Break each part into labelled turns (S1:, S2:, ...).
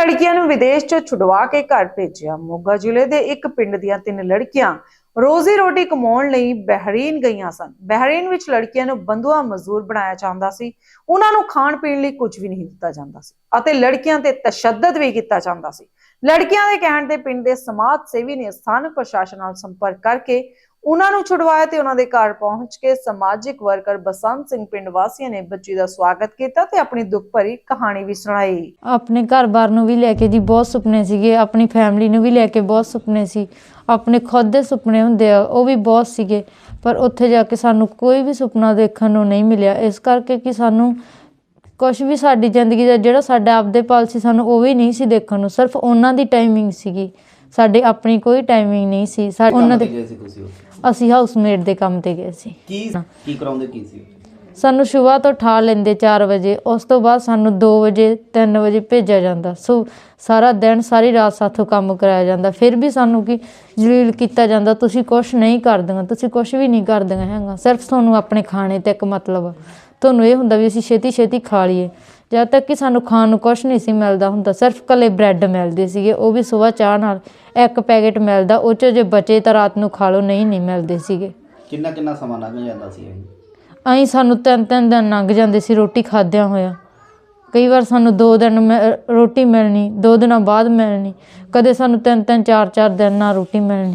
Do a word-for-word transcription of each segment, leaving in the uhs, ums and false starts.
S1: लड़कियां नूं विदेश चों छुड़वा के घर भेजिया। मोगा जिले दे एक पिंड दियां तीन लड़कियां रोजी रोटी कमाउण लई बहरीन गईयां सन। बहरीन विच लड़कियां नूं बंधुआ मजदूर बनाया जांदा सी। उन्हां नूं खाण पीण लई कुछ भी नहीं दित्ता जांदा सी अते लड़कियां ते तशद्दद भी कीता जांदा सी। लड़कियां दे कहण ते पिंड दे समाज सेवी ने स्थानक प्रशासन नाल संपर्क करके उन्हां नूं छुड़वाया ते उन्हां दे घर पहुंच के समाजिक वर्कर बसंत सिंह पिंड वासियों ने बच्ची दा स्वागत किया ते अपनी दुख भरी कहानी भी सुनाई।
S2: अपने घर बार नूं भी लैके जी बहुत सुपने सीगे, अपनी फैमिली नूं भी लैके बहुत सुपने सी, अपने खुद दे सुपने हुंदे आ वो भी बहुत सीगे, पर उत्थे जाके सानू कोई भी सुपना देखण नूं नहीं मिलिया। इस करके कि सानू कुछ भी साडी जिंदगी दा जिहड़ा साडा आपदे पल सी सानू वो भी नहीं सी देखण नूं, सिर्फ उन्हां दी टाइमिंग सीगी, साडी अपनी कोई टाइमिंग नहीं सी। उन्हां दे ਅਸੀਂ ਹਾਊਸਮੇਟ ਦੇ ਕੰਮ ਤੇ ਗਏ ਸੀ।
S3: ਕੀ ਕੀ ਕਰਾਉਂਦੇ ਕੀ ਸੀ?
S2: ਸਾਨੂੰ ਸਵੇਰ ਤੋਂ ਉਠਾ ਲੈਂਦੇ ਚਾਰ ਵਜੇ, ਉਸ ਤੋਂ ਬਾਅਦ ਸਾਨੂੰ ਦੋ ਵਜੇ ਤਿੰਨ ਵਜੇ ਭੇਜਿਆ ਜਾਂਦਾ। ਸੋ ਸਾਰਾ ਦਿਨ ਸਾਰੀ ਰਾਤ ਸਾਥੋਂ ਕੰਮ ਕਰਾਇਆ ਜਾਂਦਾ, ਫਿਰ ਵੀ ਸਾਨੂੰ ਕੀ ਜਲੀਲ ਕੀਤਾ ਜਾਂਦਾ, ਤੁਸੀਂ ਕੁਛ ਨਹੀਂ ਕਰਦੀਆਂ, ਤੁਸੀਂ ਕੁਛ ਵੀ ਨਹੀਂ ਕਰਦੀਆਂ ਹੈਗਾ, ਸਿਰਫ ਤੁਹਾਨੂੰ ਆਪਣੇ ਖਾਣੇ ਤੇ ਇੱਕ ਮਤਲਬ ਤੁਹਾਨੂੰ ਇਹ ਹੁੰਦਾ ਵੀ ਅਸੀਂ ਛੇਤੀ ਛੇਤੀ ਖਾ ਲਈਏ। ਜਦ ਤੱਕ ਕਿ ਸਾਨੂੰ ਖਾਣ ਨੂੰ ਕੁਛ ਨਹੀਂ ਸੀ ਮਿਲਦਾ ਹੁੰਦਾ, ਸਿਰਫ ਇਕੱਲੇ ਬ੍ਰੈਡ ਮਿਲਦੇ ਸੀਗੇ, ਉਹ ਵੀ ਸਵੇਰ ਚਾਹ ਨਾਲ ਇੱਕ ਪੈਕੇਟ ਮਿਲਦਾ, ਉਹ 'ਚ ਜੇ ਬਚੇ ਤਾਂ ਰਾਤ ਨੂੰ ਖਾ ਲਓ, ਨਹੀਂ ਨਹੀਂ ਮਿਲਦੇ ਸੀਗੇ।
S3: ਕਿੰਨਾ ਕਿੰਨਾ ਸਮਾਂ ਲੰਘ ਜਾਂਦਾ ਸੀ?
S2: ਅਸੀਂ ਸਾਨੂੰ ਤਿੰਨ ਤਿੰਨ ਦਿਨ ਲੰਘ ਜਾਂਦੇ ਸੀ ਰੋਟੀ ਖਾਦਿਆਂ ਹੋਇਆ। ਕਈ ਵਾਰ ਸਾਨੂੰ ਦੋ ਦਿਨ ਰੋਟੀ ਮਿਲਣੀ, ਦੋ ਦਿਨਾਂ ਬਾਅਦ ਮਿਲਣੀ, ਕਦੇ ਸਾਨੂੰ ਤਿੰਨ ਤਿੰਨ ਚਾਰ ਚਾਰ ਦਿਨ ਨਾਲ ਰੋਟੀ ਮਿਲਣੀ।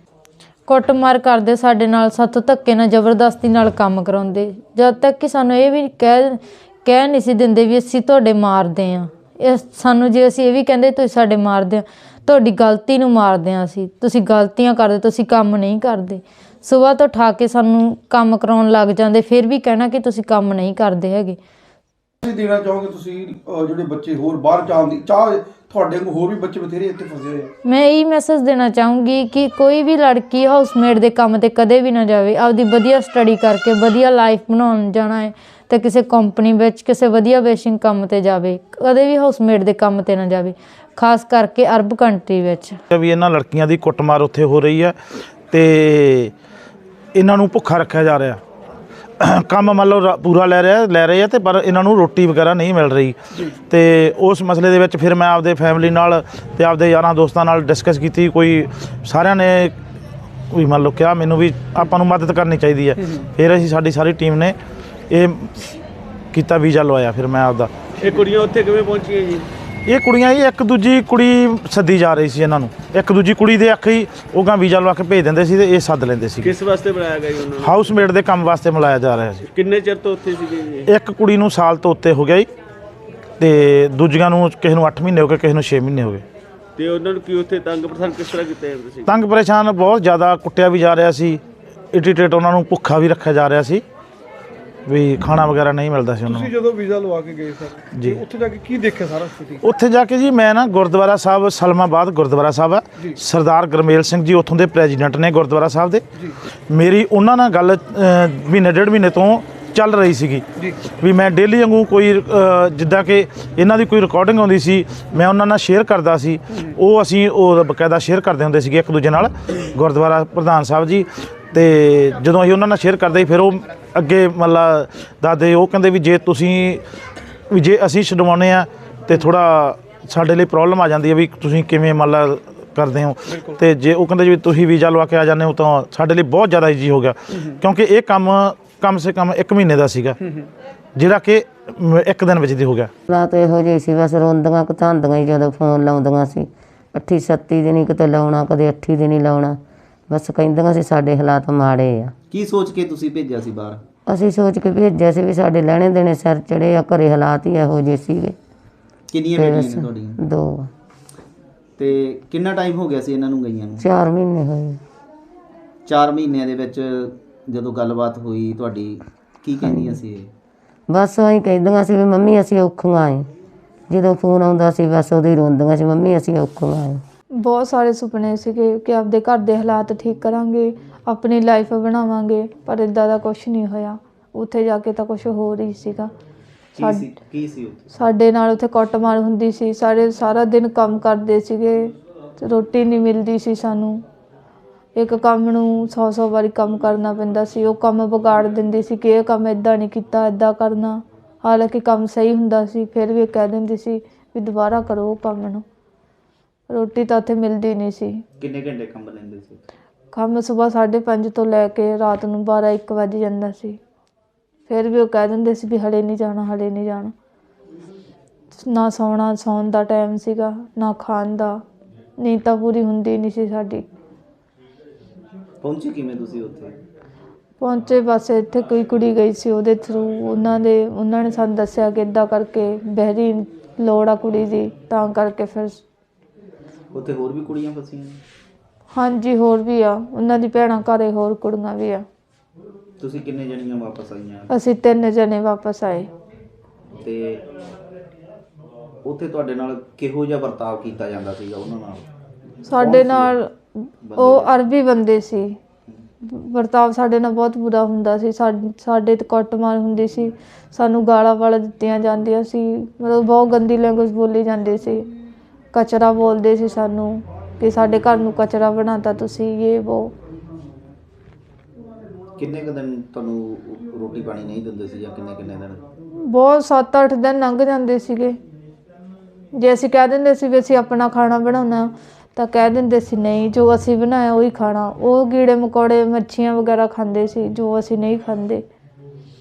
S2: ਕੁੱਟਮਾਰ ਕਰਦੇ ਸਾਡੇ ਨਾਲ, ਸਾਥੋਂ ਧੱਕੇ ਨਾਲ ਜ਼ਬਰਦਸਤੀ ਨਾਲ ਕੰਮ ਕਰਾਉਂਦੇ, ਜਦ ਤੱਕ ਕਿ ਸਾਨੂੰ ਇਹ ਵੀ ਕਹਿ ਕਹਿ ਨਹੀਂ ਸੀ ਦਿੰਦੇ ਵੀ ਅਸੀਂ ਤੁਹਾਡੇ ਮਾਰਦੇ ਹਾਂ। ਇਹ ਸਾਨੂੰ ਜੇ ਅਸੀਂ ਇਹ ਵੀ ਕਹਿੰਦੇ ਤੁਸੀਂ ਸਾਡੇ ਮਾਰਦੇ ਹਾਂ, ਤੁਹਾਡੀ ਗਲਤੀ ਨੂੰ ਮਾਰਦੇ ਹਾਂ ਅਸੀਂ, ਤੁਸੀਂ ਗਲਤੀਆਂ ਕਰਦੇ, ਤੁਸੀਂ ਕੰਮ ਨਹੀਂ ਕਰਦੇ। ਸੁਬਾਹ ਤੋਂ ਉਠਾ ਕੇ ਸਾਨੂੰ ਕੰਮ ਕਰਾਉਣ ਲੱਗ ਜਾਂਦੇ, ਫਿਰ ਵੀ ਕਹਿਣਾ ਕਿ ਤੁਸੀਂ ਕੰਮ ਨਹੀਂ ਕਰਦੇ ਹੈਗੇ।
S4: ਤੁਸੀਂ ਦੇਣਾ ਚਾਹੋਗੇ ਤੁਸੀਂ ਜਿਹੜੇ ਬੱਚੇ ਹੋਰ ਬਾਹਰ ਜਾਣ ਦੀ ਚਾਹ, ਤੁਹਾਡੇ ਕੋਲ ਹੋਰ ਵੀ ਬੱਚੇ ਬਥੇਰੇ ਇੱਥੇ ਫਸੇ ਹੋਏ?
S2: ਮੈਂ ਇਹੀ ਮੈਸੇਜ ਦੇਣਾ ਚਾਹੂੰਗੀ ਕਿ ਕੋਈ ਵੀ ਲੜਕੀ ਹਾਊਸਮੇਟ ਦੇ ਕੰਮ ਤੇ ਕਦੇ ਵੀ ਨਾ ਜਾਵੇ। ਆਪਦੀ ਵਧੀਆ ਸਟੱਡੀ ਕਰਕੇ ਵਧੀਆ ਲਾਈਫ ਬਣਾਉਣ ਜਾਣਾ ਹੈ ਤੇ ਕਿਸੇ ਕੰਪਨੀ ਵਿੱਚ ਕਿਸੇ ਵਧੀਆ ਬੇਸਿਕ ਕੰਮ ਤੇ ਜਾਵੇ, ਕਦੇ ਵੀ ਹਾਊਸਮੇਟ ਦੇ ਕੰਮ ਤੇ ਨਾ ਜਾਵੇ, ਖਾਸ ਕਰਕੇ ਅਰਬ ਕੰਟਰੀ ਵਿੱਚ।
S5: ਵੀ ਇਹਨਾਂ ਲੜਕੀਆਂ ਦੀ ਕੁੱਟਮਾਰ ਉੱਥੇ ਹੋ ਰਹੀ ਹੈ ਤੇ ਇਹਨਾਂ ਨੂੰ ਭੁੱਖਾ ਰੱਖਿਆ ਜਾ ਰਿਹਾ, ਕੰਮ ਮੰਨ ਲਓ ਪੂਰਾ ਲੈ ਰਿਹਾ ਲੈ ਰਹੇ ਆ ਤੇ ਪਰ ਇਹਨਾਂ ਨੂੰ ਰੋਟੀ ਵਗੈਰਾ ਨਹੀਂ ਮਿਲ ਰਹੀ। ਤੇ ਉਸ ਮਸਲੇ ਦੇ ਵਿੱਚ ਫਿਰ ਮੈਂ ਆਪਦੇ ਫੈਮਿਲੀ ਨਾਲ ਤੇ ਆਪਦੇ ਯਾਰਾਂ ਦੋਸਤਾਂ ਨਾਲ ਡਿਸਕਸ ਕੀਤੀ। ਕੋਈ ਸਾਰਿਆਂ ਨੇ ਵੀ ਮੰਨ ਲਓ ਕਿਹਾ ਮੈਨੂੰ ਵੀ ਆਪਾਂ ਨੂੰ ਮਦਦ ਕਰਨੀ ਚਾਹੀਦੀ ਹੈ। ਫਿਰ ਅਸੀਂ ਸਾਡੀ ਸਾਰੀ ਟੀਮ ਨੇ ਇਹ ਕੀਤਾ, ਵੀਜ਼ਾ ਲਵਾਇਆ। ਫਿਰ ਮੈਂ ਆਪਦਾ
S6: ਇਹ ਕੁੜੀਆਂ ਉੱਥੇ ਕਿਵੇਂ ਪਹੁੰਚੀਆਂ ਜੀ?
S5: ਇਹ ਕੁੜੀਆਂ ਹੀ ਇੱਕ ਦੂਜੀ ਕੁੜੀ ਸੱਦੀ ਜਾ ਰਹੀ ਸੀ ਇਹਨਾਂ ਨੂੰ, ਇੱਕ ਦੂਜੀ ਕੁੜੀ ਦੇ ਅੱਖ ਹੀ ਉਹ ਗਾਂ ਵੀਜ਼ਾ ਲਵਾ ਕੇ ਭੇਜ ਦਿੰਦੇ ਸੀ ਤੇ ਇਹ ਸੱਦ ਲੈਂਦੇ ਸੀ।
S6: ਕਿਸ ਵਾਸਤੇ ਬਣਾਇਆ ਗਿਆ ਜੀ ਉਹਨਾਂ ਨੂੰ?
S5: ਹਾਊਸਮੇਟ ਦੇ ਕੰਮ ਵਾਸਤੇ ਮਿਲਾਇਆ ਜਾ ਰਿਹਾ ਸੀ।
S6: ਕਿੰਨੇ ਚਿਰ ਤੋਂ ਉੱਥੇ ਸੀਗੇ ਜੀ?
S5: ਇੱਕ ਕੁੜੀ ਨੂੰ ਸਾਲ ਤੋਂ ਉੱਤੇ ਹੋ ਗਿਆ ਜੀ ਤੇ ਦੂਜੀਆਂ ਨੂੰ ਕਿਸੇ ਨੂੰ ਅੱਠ ਮਹੀਨੇ ਹੋ ਗਏ, ਕਿਸੇ ਨੂੰ ਛੇ ਮਹੀਨੇ ਹੋ ਗਏ।
S6: ਤੇ ਉਹਨਾਂ ਨੂੰ ਕੀ ਉੱਥੇ ਤੰਗ ਪਰੇਸ਼ਾਨ ਕਿਸ ਤਰ੍ਹਾਂ ਕੀਤਾ ਜਾਂਦਾ ਸੀ?
S5: ਤੰਗ ਪਰੇਸ਼ਾਨ ਬਹੁਤ ਜ਼ਿਆਦਾ ਕੁੱਟਿਆ ਵੀ ਜਾ ਰਿਹਾ ਸੀ, ਇਰੀਟੇਟ ਉਹਨਾਂ ਨੂੰ ਭੁੱਖਾ ਵੀ ਰੱਖਿਆ ਜਾ ਰਿਹਾ ਸੀ, ਵੀ ਖਾਣਾ ਵਗੈਰਾ ਨਹੀਂ ਮਿਲਦਾ ਸੀ ਉਹਨਾਂ ਨੂੰ।
S4: ਤੁਸੀਂ ਜਦੋਂ ਵੀਜ਼ਾ ਲਵਾ ਕੇ ਗਏ ਸਰ ਜੀ, ਉੱਥੇ ਜਾ ਕੇ ਕੀ ਦੇਖਿਆ ਸਾਰਾ ਸਥਿਤੀ?
S5: ਉੱਥੇ ਜਾ ਕੇ ਜੀ ਮੈਂ ਨਾ ਗੁਰਦੁਆਰਾ ਸਾਹਿਬ ਸਲਮਾਬਾਦ ਗੁਰਦੁਆਰਾ ਸਾਹਿਬ ਆ, ਸਰਦਾਰ ਗੁਰਮੇਲ ਸਿੰਘ ਜੀ ਉੱਥੋਂ ਦੇ ਪ੍ਰੈਜ਼ੀਡੈਂਟ ਨੇ ਗੁਰਦੁਆਰਾ ਸਾਹਿਬ ਦੇ। ਮੇਰੀ ਉਹਨਾਂ ਨਾਲ ਗੱਲ ਮਹੀਨੇ ਡੇਢ ਮਹੀਨੇ ਤੋਂ ਚੱਲ ਰਹੀ ਸੀਗੀ ਵੀ ਮੈਂ ਡੇਲੀ ਵਾਂਗੂ ਕੋਈ ਜਿੱਦਾਂ ਕਿ ਇਹਨਾਂ ਦੀ ਕੋਈ ਰਿਕਾਰਡਿੰਗ ਆਉਂਦੀ ਸੀ ਮੈਂ ਉਹਨਾਂ ਨਾਲ ਸ਼ੇਅਰ ਕਰਦਾ ਸੀ, ਉਹ ਅਸੀਂ ਉਹ ਬਕਾਇਦਾ ਸ਼ੇਅਰ ਕਰਦੇ ਹੁੰਦੇ ਸੀਗੇ ਇੱਕ ਦੂਜੇ ਨਾਲ, ਗੁਰਦੁਆਰਾ ਪ੍ਰਧਾਨ ਸਾਹਿਬ ਜੀ। ਤੇ ਜਦੋਂ ਅਸੀਂ ਉਹਨਾਂ ਨਾਲ ਸ਼ੇਅਰ ਕਰਦੇ ਫਿਰ ਉਹ ਅੱਗੇ ਮਤਲਬ ਦੱਸਦੇ, ਉਹ ਕਹਿੰਦੇ ਵੀ ਜੇ ਤੁਸੀਂ ਵੀ ਜੇ ਅਸੀਂ ਛਡਵਾਉਂਦੇ ਹਾਂ ਤਾਂ ਥੋੜ੍ਹਾ ਸਾਡੇ ਲਈ ਪ੍ਰੋਬਲਮ ਆ ਜਾਂਦੀ ਹੈ ਵੀ ਤੁਸੀਂ ਕਿਵੇਂ ਮਤਲਬ ਕਰਦੇ ਹੋ। ਤੇ ਜੇ ਉਹ ਕਹਿੰਦੇ ਵੀ ਤੁਸੀਂ ਵੀਜ਼ਾ ਲਵਾ ਕੇ ਆ ਜਾਂਦੇ ਹੋ ਤਾਂ ਸਾਡੇ ਲਈ ਬਹੁਤ ਜ਼ਿਆਦਾ ਈਜ਼ੀ ਹੋ ਗਿਆ, ਕਿਉਂਕਿ ਇਹ ਕੰਮ ਕਮ ਸੇ ਕਮ ਇੱਕ ਮਹੀਨੇ ਦਾ ਸੀਗਾ ਜਿਹੜਾ ਕਿ ਇੱਕ ਦਿਨ ਵਿੱਚ ਦੀ ਹੋ ਗਿਆ।
S7: ਹਾਲਾਤ ਇਹੋ ਜਿਹੇ ਸੀ, ਬਸ ਰੋਂਦੀਆਂ ਘਤਾਉਂਦੀਆਂ ਹੀ ਜਦੋਂ ਫੋਨ ਲਾਉਂਦੀਆਂ ਸੀ, ਅੱਠੀ ਸੱਤੀ ਦਿਨ ਹੀ ਕਿਤੇ ਲਾਉਣਾ, ਕਦੇ ਅੱਠੀ ਦਿਨ ਹੀ ਲਾਉਣਾ, ਬਸ ਕਹਿੰਦੀਆਂ ਸੀ ਸਾਡੇ ਹਾਲਾਤ ਮਾੜੇ ਆ।
S3: ਕੀ ਸੋਚ ਕੇ ਤੁਸੀਂ ਭੇਜਿਆ ਸੀ ਬਾਹਰ?
S7: ਅਸੀਂ ਸੋਚ ਕੇ ਭੇਜਿਆ ਸੀ ਵੀ ਸਾਡੇ ਲੈਣੇ ਦੇਣੇ ਸਿਰ ਚੜੇ ਆ, ਘਰੇ ਹਾਲਾਤ ਹੀ ਇਹੋ ਜਿਹੇ ਸੀਗੇ।
S3: ਕਿੰਨੀਆਂ ਬੇਟੀਆਂ ਨੇ ਤੁਹਾਡੀਆਂ?
S7: ਦੋ।
S3: ਤੇ ਕਿੰਨਾ ਟਾਈਮ ਹੋ ਗਿਆ ਸੀ ਇਹਨਾਂ ਨੂੰ ਗਈਆਂ ਨੂੰ?
S7: ਚਾਰ ਮਹੀਨੇ ਹੋਏ।
S3: ਚਾਰ ਮਹੀਨਿਆਂ ਦੇ ਵਿੱਚ ਜਦੋਂ ਗੱਲਬਾਤ ਹੋਈ ਤੁਹਾਡੀ, ਕੀ ਕਹਿੰਦੀਆਂ ਸੀ ਇਹ?
S7: ਬਸ ਅਸੀਂ ਕਹਿੰਦੀਆਂ ਸੀ ਵੀ ਮੰਮੀ ਅਸੀਂ ਔਖੀਆਂ ਏ, ਜਦੋਂ ਫੋਨ ਆਉਂਦਾ ਸੀ ਬਸ ਉਦੋਂ ਹੀ ਰੋਂਦੀਆਂ ਸੀ, ਮੰਮੀ ਅਸੀਂ ਔਖੀਆਂ ਏ।
S2: ਬਹੁਤ ਸਾਰੇ ਸੁਪਨੇ ਸੀਗੇ ਕਿ ਆਪਦੇ ਘਰ ਦੇ ਹਾਲਾਤ ਠੀਕ ਕਰਾਂਗੇ, ਆਪਣੀ ਲਾਈਫ ਬਣਾਵਾਂਗੇ, ਪਰ ਇੱਦਾਂ ਦਾ ਕੁਛ ਨਹੀਂ ਹੋਇਆ। ਉੱਥੇ ਜਾ ਕੇ ਤਾਂ ਕੁਛ ਹੋਰ ਹੀ ਸੀਗਾ।
S3: ਕੀ ਸੀ ਉੱਥੇ?
S2: ਸਾਡੇ ਨਾਲ ਉੱਥੇ ਕੁੱਟਮਾਰ ਹੁੰਦੀ ਸੀ, ਸਾਰੇ ਸਾਰਾ ਦਿਨ ਕੰਮ ਕਰਦੇ ਸੀਗੇ, ਰੋਟੀ ਨਹੀਂ ਮਿਲਦੀ ਸੀ ਸਾਨੂੰ, ਇੱਕ ਕੰਮ ਨੂੰ ਸੌ ਸੌ ਵਾਰੀ ਕੰਮ ਕਰਨਾ ਪੈਂਦਾ ਸੀ। ਉਹ ਕੰਮ ਵਿਗਾੜ ਦਿੰਦੀ ਸੀ ਕਿ ਇਹ ਕੰਮ ਇੱਦਾਂ ਨਹੀਂ ਕੀਤਾ, ਇੱਦਾਂ ਕਰਨਾ, ਹਾਲਾਂਕਿ ਕੰਮ ਸਹੀ ਹੁੰਦਾ ਸੀ, ਫਿਰ ਵੀ ਕਹਿ ਦਿੰਦੀ ਸੀ ਵੀ ਦੁਬਾਰਾ ਕਰੋ ਉਹ ਕੰਮ ਨੂੰ। ਰੋਟੀ ਤਾਂ ਉੱਥੇ ਮਿਲਦੀ ਨਹੀਂ ਸੀ।
S3: ਕਿੰਨੇ ਘੰਟੇ ਕੰਮ ਲੈਂਦੇ ਸੀ?
S2: ਕੰਮ ਸਵੇਰ ਸਾਢੇ ਪੰਜ ਤੋਂ ਲੈ ਕੇ ਰਾਤ ਨੂੰ ਬਾਰਾਂ ਇੱਕ ਵੱਜ ਜਾਂਦਾ ਸੀ। ਫਿਰ ਵੀ ਉਹ ਕਹਿ ਦਿੰਦੇ ਸੀ ਵੀ ਹਲੇ ਨਹੀਂ ਜਾਣਾ, ਹਲੇ ਨਹੀਂ ਜਾਣਾ। ਨਾ ਸੌਣਾ, ਸੌਣ ਦਾ ਟਾਈਮ ਸੀਗਾ, ਨਾ ਖਾਣ ਦਾ। ਨੀਂਦ ਤਾਂ ਪੂਰੀ ਹੁੰਦੀ ਨਹੀਂ ਸੀ ਸਾਡੀ।
S3: ਪਹੁੰਚੇ ਕਿਵੇਂ ਤੁਸੀਂ ਉੱਥੇ?
S2: ਪਹੁੰਚੇ ਬਸ ਇੱਥੇ ਕੋਈ ਕੁੜੀ ਗਈ ਸੀ ਉਹਦੇ ਥਰੂ, ਉਹਨਾਂ ਦੇ ਉਹਨਾਂ ਨੇ ਸਾਨੂੰ ਦੱਸਿਆ ਕਿ ਇੱਦਾਂ ਕਰਕੇ ਬਹਿਰੀਨ ਲੋੜ ਆ ਕੁੜੀ ਦੀ, ਤਾਂ ਕਰਕੇ ਫਿਰ।
S3: ਉੱਥੇ ਹੋਰ ਵੀ ਕੁੜੀਆਂ ਫਸੀਆਂ ਨੇ?
S2: ਹਾਂਜੀ ਹੋਰ ਵੀ ਆ, ਉਹਨਾਂ ਦੀ ਭੈਣਾਂ ਘਰੇ ਹੋਰ ਕੁੜੀਆਂ ਵੀ ਆ।
S3: ਤੁਸੀਂ ਕਿੰਨੇ ਜਣੀਆਂ ਵਾਪਸ ਆਈਆਂ?
S2: ਅਸੀਂ ਤਿੰਨ ਜਣੇ ਵਾਪਸ ਆਏ।
S3: ਤੇ ਉੱਥੇ ਤੁਹਾਡੇ ਨਾਲ ਕਿਹੋ ਜਿਹਾ ਵਰਤਾਵ ਕੀਤਾ ਜਾਂਦਾ ਸੀਗਾ ਉਹਨਾਂ ਨਾਲ?
S2: ਸਾਡੇ ਨਾਲ ਉਹ ਅਰਬੀ ਬੰਦੇ ਸੀ। ਵਰਤਾਵ ਸਾਡੇ ਨਾਲ ਬਹੁਤ ਬੁਰਾ ਹੁੰਦਾ ਸੀ। ਸਾ- ਸਾਡੇ ਤੇ ਕੁੱਟਮਾਰ ਹੁੰਦੀ ਸੀ, ਸਾਨੂੰ ਗਾਲਾਂ ਵਾਲਾ ਦਿੱਤੀਆਂ ਜਾਂਦੀਆਂ ਸੀ। ਮਤਲਬ ਬਹੁਤ ਗੰਦੀ ਲੈਂਗੁਏਜ ਬੋਲੀ ਜਾਂਦੀ ਸੀ। ਕਚਰਾ ਬੋਲਦੇ ਸੀ ਸਾਨੂੰ ਕਿ ਸਾਡੇ ਘਰ ਨੂੰ ਕਚਰਾ ਬਣਾਤਾ ਤੁਸੀਂ, ਇਹ ਵੋ।
S3: ਕਿੰਨੇ ਕੁ ਦਿਨ ਤੁਹਾਨੂੰ ਰੋਟੀ ਪਾਣੀ ਨਹੀਂ ਦਿੰਦੇ ਸੀ, ਜਾਂ ਕਿੰਨੇ ਕਿੰਨੇ ਦਿਨ?
S2: ਬਹੁਤ ਸੱਤ ਅੱਠ ਦਿਨ ਲੰਘ ਜਾਂਦੇ ਸੀਗੇ। ਜੇ ਅਸੀਂ ਕਹਿ ਦਿੰਦੇ ਸੀ ਵੀ ਅਸੀਂ ਆਪਣਾ ਖਾਣਾ ਬਣਾਉਣਾ, ਤਾਂ ਕਹਿ ਦਿੰਦੇ ਸੀ ਨਹੀਂ, ਜੋ ਅਸੀਂ ਬਣਾਇਆ ਉਹੀ ਖਾਣਾ। ਉਹ ਕੀੜੇ ਮਕੌੜੇ, ਮੱਛੀਆਂ ਵਗੈਰਾ ਖਾਂਦੇ ਸੀ, ਜੋ ਅਸੀਂ ਨਹੀਂ ਖਾਂਦੇ।